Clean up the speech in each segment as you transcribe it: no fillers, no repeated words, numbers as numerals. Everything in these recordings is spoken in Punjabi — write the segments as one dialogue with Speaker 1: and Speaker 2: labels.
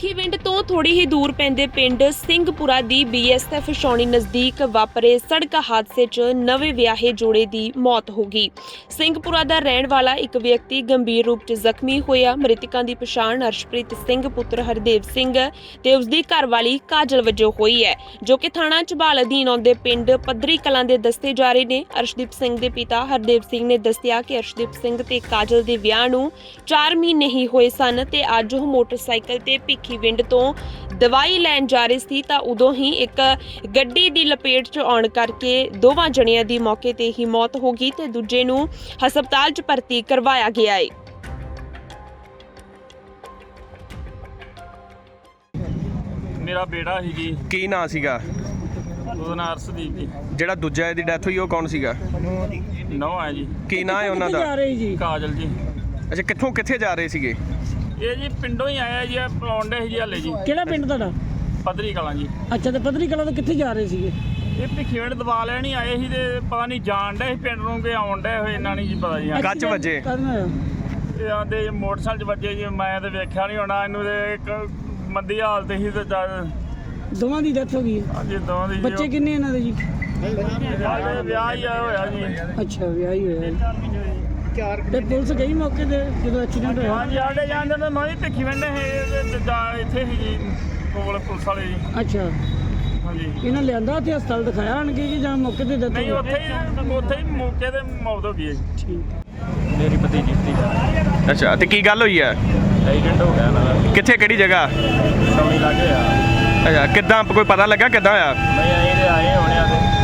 Speaker 1: ਭਿੱਖੀਵਿੰਡ ਤੋਂ ਥੋੜੀ ਹੀ ਦੂਰ ਪੈਂਦੇ ਪਿੰਡ ਸਿੰਘਪੁਰਾ ਦੀ BSF ਛਾਉਣੀ ਨਜ਼ਦੀਕ ਵਾਪਰੇ ਸੜਕ ਹਾਦਸੇ 'ਚ ਨਵੇਂ ਵਿਆਹੇ ਜੋੜੇ ਦੀ ਮੌਤ ਹੋ ਗਈ। ਸਿੰਘਪੁਰਾ ਦਾ ਰਹਿਣ ਵਾਲਾ ਇੱਕ ਵਿਅਕਤੀ ਗੰਭੀਰ ਰੂਪ 'ਚ ਜ਼ਖਮੀ ਹੋਇਆ। ਮ੍ਰਿਤਕਾਂ ਦੀ ਪਛਾਣ ਅਰਸ਼ਪ੍ਰੀਤ ਸਿੰਘ ਪੁੱਤਰ ਹਰਦੇਵ ਸਿੰਘ ਤੇ ਉਸ ਦੀ ਘਰਵਾਲੀ ਕਾਜਲ ਵਜੋਂ ਹੋਈ ਹੈ, ਜੋ ਕਿ ਥਾਣਾ ਝਬਾਲ ਅਧੀਨ ਆਉਂਦੇ ਪਿੰਡ ਪੱਧਰੀ ਕਲਾਂ ਦੇ ਦੱਸੇ ਜਾ ਰਹੇ ਨੇ। ਅਰਸ਼ਦੀਪ ਸਿੰਘ ਦੇ ਪਿਤਾ ਹਰਦੇਵ ਸਿੰਘ ਨੇ ਦੱਸਿਆ ਕਿ ਅਰਸ਼ਦੀਪ ਸਿੰਘ ਤੇ ਕਾਜਲ ਦੇ ਵਿਆਹ ਨੂੰ 4 ਮਹੀਨੇ ਹੀ ਹੋਏ ਸਨ ਤੇ ਅੱਜ ਉਹ ਮੋਟਰਸਾਈਕਲ ਤੇ ਭਿੱਖੀਵਿੰਡ ਤੋਂ ਦਵਾਈ ਲੈਣ ਜਾ ਰਹੇ ਸੀ ਤਾਂ ਉਦੋਂ ਹੀ ਇੱਕ ਗੱਡੀ ਦੀ ਲਪੇਟ 'ਚ ਆਉਣ ਕਰਕੇ ਦੋਵਾਂ ਜਣਿਆਂ ਦੀ ਮੌਕੇ ਤੇ ਹੀ ਮੌਤ ਹੋ ਗਈ ਤੇ ਦੂਜੇ ਨੂੰ ਹਸਪਤਾਲ 'ਚ ਭਰਤੀ ਕਰਵਾਇਆ ਗਿਆ ਹੈ।
Speaker 2: ਮੇਰਾ ਬੇੜਾ ਸੀ ਜੀ।
Speaker 3: ਕੀ ਨਾਂ ਸੀਗਾ
Speaker 2: ਉਹਦਾ ਨਾਂ ਅਰਸ਼ਦੀਪ ਜੀ।
Speaker 3: ਜਿਹੜਾ ਦੂਜਾ ਇਹਦੀ ਡੈਥ ਹੋਈ ਉਹ ਕੌਣ ਸੀਗਾ?
Speaker 2: ਨੌ ਹੈ ਜੀ।
Speaker 3: ਕੀ ਨਾਂ ਹੈ ਉਹਨਾਂ ਦਾ?
Speaker 2: ਕਾਜਲ ਜੀ।
Speaker 3: ਅੱਛਾ, ਕਿੱਥੇ ਜਾ ਰਹੇ ਸੀਗੇ?
Speaker 2: ਇਹ ਜੀ ਪਿੰਡੋਂ ਹੀ ਆਇਆ ਜੀ, ਪਲਾਉਂਡੇ ਸੀ ਜੀ ਹਾਲੇ ਜੀ।
Speaker 4: ਕਿਹੜਾ ਪਿੰਡ ਤੁਹਾਡਾ?
Speaker 2: ਪੱਧਰੀ ਕਲਾਂ ਜੀ।
Speaker 4: ਅੱਛਾ, ਤੇ ਪੱਧਰੀ ਕਲਾਂ ਤੋਂ ਕਿੱਥੇ ਜਾ ਰਹੇ ਸੀਗੇ?
Speaker 2: ਇਹ ਭਿੱਖੀਵਿੰਡ ਦਵਾ ਲੈਣ ਹੀ ਆਏ ਸੀ ਤੇ ਪਤਾ ਨਹੀਂ ਜਾਣ ਡਏ ਸੀ ਪਿੰਡ ਨੂੰ ਕਿ ਆਉਣ ਡਏ ਹੋਏ, ਇਹਨਾਂ ਨਹੀਂ ਜੀ ਪਤਾ ਜੀ।
Speaker 3: ਕੱਚ ਵੱਜੇ?
Speaker 2: ਇਹ ਆਂਦੇ ਮੋਟਰਸਾਈਕਲ 'ਚ ਵੱਜੇ ਜੀ। ਮੈਂ ਤੇ ਵੇਖਿਆ ਨਹੀਂ ਹੋਣਾ ਇਹਨੂੰ, ਤੇ ਇੱਕ ਮੰਦੀ ਹਾਲਤ ਸੀ ਤੇ
Speaker 4: ਦੋਵਾਂ ਦੀ ਡੈਥ ਹੋ ਗਈ ਹੈ।
Speaker 2: ਹਾਂਜੀ ਦੋਵਾਂ ਦੀ।
Speaker 4: ਬੱਚੇ ਕਿੰਨੇ ਇਹਨਾਂ ਦੇ ਜੀ?
Speaker 2: ਵਿਆਹ ਹੀ ਹੋਇਆ ਜੀ।
Speaker 4: ਅੱਛਾ, ਵਿਆਹ ਹੀ ਹੋਇਆ। ਤੇ ਪੁਲਿਸ ਗਈ ਮੌਕੇ ਤੇ ਜਦੋਂ ਐਕਸੀਡੈਂਟ ਹੋਇਆ?
Speaker 2: ਹਾਂਜੀ ਆਡੇ ਜਾਂਦੇ ਨੇ। ਮੈਂ ਵੀ ਭਿੱਖੀਵਿੰਡ ਇੱਥੇ ਸੀ ਜੀ ਕੋਲ ਪੁਲਿਸ ਵਾਲੇ ਜੀ।
Speaker 4: ਅੱਛਾ,
Speaker 2: ਹਾਂਜੀ।
Speaker 4: ਇਹਨਾਂ ਲਿਆਂਦਾ ਉੱਥੇ ਹਸਪਤਾਲ ਦਿਖਾਇਆ ਆਣਗੇ ਕਿ ਜਾਂ ਮੌਕੇ ਤੇ ਡੈਥ?
Speaker 2: ਨਹੀਂ, ਉੱਥੇ ਹੀ ਮੌਕੇ ਤੇ ਮੌਤ ਹੋ ਗਈ ਹੈ ਜੀ।
Speaker 4: ਠੀਕ।
Speaker 2: ਮੇਰੀ ਭਤੀਜੀ ਸੀ।
Speaker 3: ਅੱਛਾ, ਤੇ ਕੀ ਗੱਲ ਹੋਈ ਹੈ?
Speaker 2: ਐਕਸੀਡੈਂਟ ਹੋ ਗਿਆ ਨਾ।
Speaker 3: ਕਿੱਥੇ, ਕਿਹੜੀ ਜਗ੍ਹਾ?
Speaker 2: ਸੌਣੀ ਲੱਗੇ ਆ।
Speaker 3: ਅੱਛਾ, ਕਿੱਦਾਂ ਕੋਈ ਪਤਾ ਲੱਗਾ ਕਿੱਦਾਂ ਹੋਇਆ?
Speaker 2: ਨਹੀਂ ਆਏ ਹੋਣੇ ਆ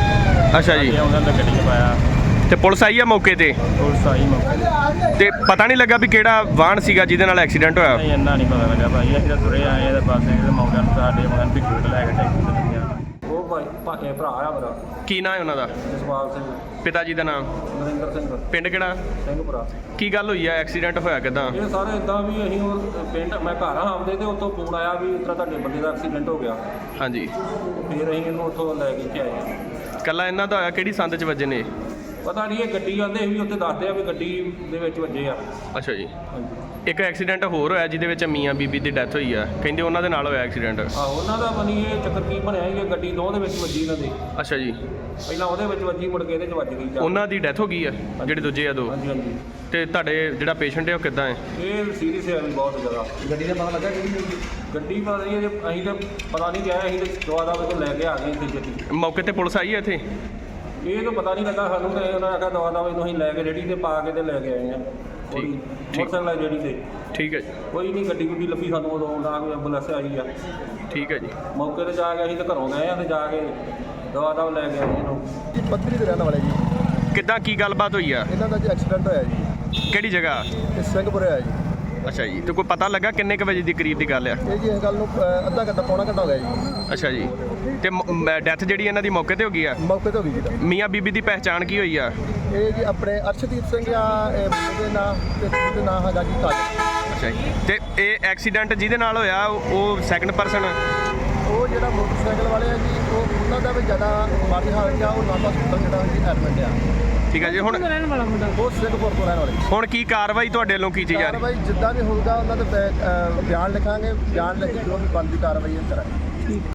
Speaker 2: ਤੇ
Speaker 3: ਅੱਛਾ ਜੀ।
Speaker 2: ਉਹਨਾਂ ਦਾ ਗੱਡੀ 'ਚ ਪਾਇਆ।
Speaker 3: ਤੇ ਪੁਲਿਸ ਆਈ ਆ ਮੌਕੇ ਤੇ?
Speaker 2: ਪੁਲਿਸ ਆਈ ਮੌਕੇ
Speaker 3: ਤੇ ਪਤਾ ਨਹੀਂ ਲੱਗਾ ਵੀ ਕਿਹੜਾ ਵਾਹਨ ਸੀਗਾ ਜਿਹਦੇ ਨਾਲ ਐਕਸੀਡੈਂਟ ਹੋਇਆ?
Speaker 2: ਨਹੀਂ, ਇੰਨਾ ਨਹੀਂ ਪਤਾ ਲੱਗਾ ਭਾਈ। ਅਸੀਂ ਤਾਂ ਤੁਰੇ ਆਏ ਇਹਦੇ ਪਾਸੇ ਇਹਦੇ ਮੌਕੇ ਨੂੰ ਸਾਡੇ ਮਗਨ ਭਿੱਖੀਵਿੰਡ ਲੈ ਕੇ ਟੈਕਸੀ ਤੇ ਲੱਗਿਆ। ਉਹ ਭਾਈ ਭਾਕੇ ਭਰਾ ਆ ਮੇਰਾ।
Speaker 3: ਕੀ ਨਾਂ ਹੈ ਉਹਨਾਂ ਦਾ?
Speaker 2: ਜਸਪਾਲ ਸਿੰਘ।
Speaker 3: ਪਿਤਾ ਜੀ ਦਾ ਨਾਮ?
Speaker 2: ਨਰਿੰਦਰ ਸਿੰਘ।
Speaker 3: ਪਿੰਡ ਕਿਹੜਾ?
Speaker 2: ਸਿੰਘਪੁਰਾ।
Speaker 3: ਕੀ ਗੱਲ ਹੋਈ ਹੈ? ਐਕਸੀਡੈਂਟ ਹੋਇਆ ਕਿੱਦਾਂ?
Speaker 2: ਇਹ ਸਾਰੇ ਇਦਾਂ ਵੀ ਅਸੀਂ ਉਹ ਪਿੰਡ ਮੈਂ ਘਰ ਆਉਂਦੇ ਤੇ ਉੱਥੋਂ ਫੋਨ ਆਇਆ ਵੀ ਇਸ ਤਰ੍ਹਾਂ ਤੁਹਾਡੇ ਬੰਦੇ ਦਾ ਐਕਸੀਡੈਂਟ ਹੋ ਗਿਆ।
Speaker 3: ਹਾਂਜੀ।
Speaker 2: ਫਿਰ ਅਸੀਂ ਇਹਨੂੰ ਉੱਥੋਂ ਲੈ ਕੇ ਆਏ।
Speaker 3: ਕੱਲਾ ਇਹਨਾਂ ਦਾ ਹੋਇਆ? ਕਿਹੜੀ ਸੰਦ 'ਚ ਵੱਜੇ ਨੇ?
Speaker 2: ਪਤਾ ਨਹੀਂ, ਇਹ ਗੱਡੀ ਆਉਂਦੇ ਵੀ ਉੱਥੇ ਦੱਸਦੇ ਆ ਵੀ ਗੱਡੀ ਦੇ ਵਿੱਚ ਵੱਜੇ ਆ।
Speaker 3: ਅੱਛਾ ਜੀ।
Speaker 2: ਹਾਂਜੀ।
Speaker 3: ਇੱਕ ਐਕਸੀਡੈਂਟ ਹੋਰ ਹੋਇਆ ਜਿਹਦੇ ਵਿੱਚ ਮੀਆਂ ਬੀਬੀ ਦੀ ਡੈਥ ਹੋਈ ਆ, ਕਹਿੰਦੇ ਉਹਨਾਂ ਦੇ ਨਾਲ ਹੋਇਆ ਐਕਸੀਡੈਂਟ।
Speaker 2: ਆਹੋ, ਉਹਨਾਂ ਦਾ ਬਣੀ ਇਹ ਚੱਕਰ ਕੀ ਬਣਿਆ ਸੀ, ਗੱਡੀ ਦੋ ਦੇ ਵਿੱਚ ਵੱਜੀ ਇਹਨਾਂ ਦੇ।
Speaker 3: ਅੱਛਾ ਜੀ।
Speaker 2: ਪਹਿਲਾਂ ਉਹਦੇ ਵਿੱਚ ਵੱਜੀ, ਮੁੜ ਕੇ ਇਹਦੇ 'ਚ ਵੱਜ ਗਈ।
Speaker 3: ਉਹਨਾਂ ਦੀ ਡੈਥ ਹੋ ਗਈ ਆ ਜਿਹੜੇ ਦੂਜੇ ਆ ਦੋ?
Speaker 2: ਹਾਂਜੀ ਹਾਂਜੀ।
Speaker 3: ਤੇ ਤੁਹਾਡੇ ਜਿਹੜਾ ਪੇਸ਼ੈਂਟ ਹੈ ਉਹ ਕਿੱਦਾਂ ਹੈ?
Speaker 2: ਇਹ ਸੀਰੀਅਸ ਹੈ ਵੀ ਬਹੁਤ ਜ਼ਿਆਦਾ। ਗੱਡੀ ਦਾ ਪਤਾ ਲੱਗਾ ਕਿਹੜੀ ਗੱਡੀ? ਪਤਾ ਨਹੀਂ, ਅਸੀਂ ਤਾਂ ਪਤਾ ਨਹੀਂ ਗਿਆ। ਅਸੀਂ ਤਾਂ ਦੁਆ ਦਾ ਤੋਂ ਲੈ ਕੇ ਆ ਗਏ ਇੱਥੇ ਛੇਤੀ।
Speaker 3: ਮੌਕੇ ਤੇ ਪੁਲਿਸ ਆਈ ਹੈ ਇੱਥੇ?
Speaker 2: ਇਹ ਤਾਂ ਪਤਾ ਨਹੀਂ ਲੱਗਾ ਸਾਨੂੰ, ਤੇ ਉਹਨਾਂ ਨੇ ਆਖਿਆ ਦਵਾ ਦਾ ਨੂੰ ਅਸੀਂ ਲੈ ਕੇ ਰੇੜੀ ਤੇ ਪਾ ਕੇ ਤੇ ਲੈ ਕੇ ਆਏ ਆ।
Speaker 3: ਠੀਕ।
Speaker 2: ਮੋਟਰਸਾਈਕਲ ਆ ਜਿਹੜੀ ਤੇ।
Speaker 3: ਠੀਕ ਹੈ ਜੀ।
Speaker 2: ਕੋਈ ਨਹੀਂ, ਗੱਡੀ ਗੁੱਡੀ ਲੱਭੀ ਸਾਨੂੰ ਉਦੋਂ, ਨਾ ਕੋਈ ਐਂਬੂਲੈਂਸ ਆਈ ਆ।
Speaker 3: ਠੀਕ ਹੈ ਜੀ।
Speaker 2: ਮੌਕੇ ਤੇ ਜਾ ਕੇ ਅਸੀਂ ਤਾਂ ਘਰੋਂ ਗਏ ਆ ਤੇ ਜਾ ਕੇ ਦਵਾ ਦਾ ਲੈ ਕੇ ਆਏ ਇਹਨੂੰ।
Speaker 5: ਪੱਧਰੀ ਦੇ ਰਹਿਣ ਵਾਲੇ ਜੀ।
Speaker 3: ਕਿੱਦਾਂ, ਕੀ ਗੱਲਬਾਤ ਹੋਈ ਆ?
Speaker 5: ਇਹਨਾਂ ਦਾ ਜੀ ਐਕਸੀਡੈਂਟ ਹੋਇਆ ਜੀ।
Speaker 3: ਕਿਹੜੀ ਜਗ੍ਹਾ?
Speaker 5: ਇਹ ਸਿੰਘਪੁਰੇ ਹੋਇਆ ਜੀ।
Speaker 3: ਅੱਛਾ ਜੀ। ਤੇ ਕੋਈ ਪਤਾ ਲੱਗਾ ਕਿੰਨੇ ਕੁ ਵਜੇ ਦੀ ਕਰੀਬ ਦੀ ਗੱਲ ਆ?
Speaker 5: ਇਹ ਜੀ ਇਸ ਗੱਲ ਨੂੰ ਅੱਧਾ ਘੰਟਾ ਪੌਣਾ ਘੰਟਾ ਹੋ ਗਿਆ ਜੀ।
Speaker 3: ਅੱਛਾ ਜੀ। ਤੇ ਡੈਥ ਜਿਹੜੀ ਇਹਨਾਂ ਦੀ ਮੌਕੇ ਤੇ ਹੋ ਗਈ ਆ?
Speaker 5: ਮੌਕੇ ਤੇ ਹੋ ਗਈ ਜੀ ਤਾਂ।
Speaker 3: ਮੀਆਂ ਬੀਬੀ ਦੀ ਪਹਿਚਾਣ ਕੀ ਹੋਈ ਆ?
Speaker 5: ਇਹ ਜੀ ਆਪਣੇ ਅਰਸ਼ਦੀਪ ਸਿੰਘ ਆ ਇਹਦੇ ਨਾਂ ਤੇ ਉਹਦੇ ਨਾਂ ਹੈਗਾ ਜੀ ਕਾਜਲ।
Speaker 3: ਅੱਛਾ ਜੀ। ਤੇ ਇਹ ਐਕਸੀਡੈਂਟ ਜਿਹਦੇ ਨਾਲ ਹੋਇਆ ਉਹ ਸੈਕੰਡ ਪਰਸਨ?
Speaker 5: ਉਹ ਜਿਹੜਾ ਮੋਟਰਸਾਈਕਲ ਵਾਲੇ ਆ ਜੀ, ਉਹਨਾਂ ਦਾ ਵੀ ਜ਼ਿਆਦਾ ਮਾੜੀ ਹਾਲਤ ਆ। ਉਹ ਨਾਭਾ ਹਸਪਤਾਲ ਜਿਹੜਾ ਜੀ ਐਡਮਿਟ ਆ।
Speaker 3: ਠੀਕ ਹੈ ਜੀ। ਹੁਣ
Speaker 4: ਰਹਿਣ ਵਾਲਾ ਮੁੰਡਾ
Speaker 5: ਉਹ ਸਿੰਘਪੁਰ ਤੋਂ ਰਹਿਣ ਵਾਲੇ।
Speaker 3: ਹੁਣ ਕੀ ਕਾਰਵਾਈ ਤੁਹਾਡੇ ਵੱਲੋਂ ਕੀਤੀ ਜਾ ਰਹੀ?
Speaker 5: ਕਾਰਵਾਈ ਜਿੱਦਾਂ ਵੀ ਹੋਊਗਾ ਉਹਨਾਂ ਦੇ ਬਿਆਨ ਲਿਖਾਂਗੇ। ਬਿਆਨ ਲਿਖ ਕੇ ਜੋ ਵੀ ਬਣਦੀ ਕਾਰਵਾਈ ਕਰਾਂਗੇ।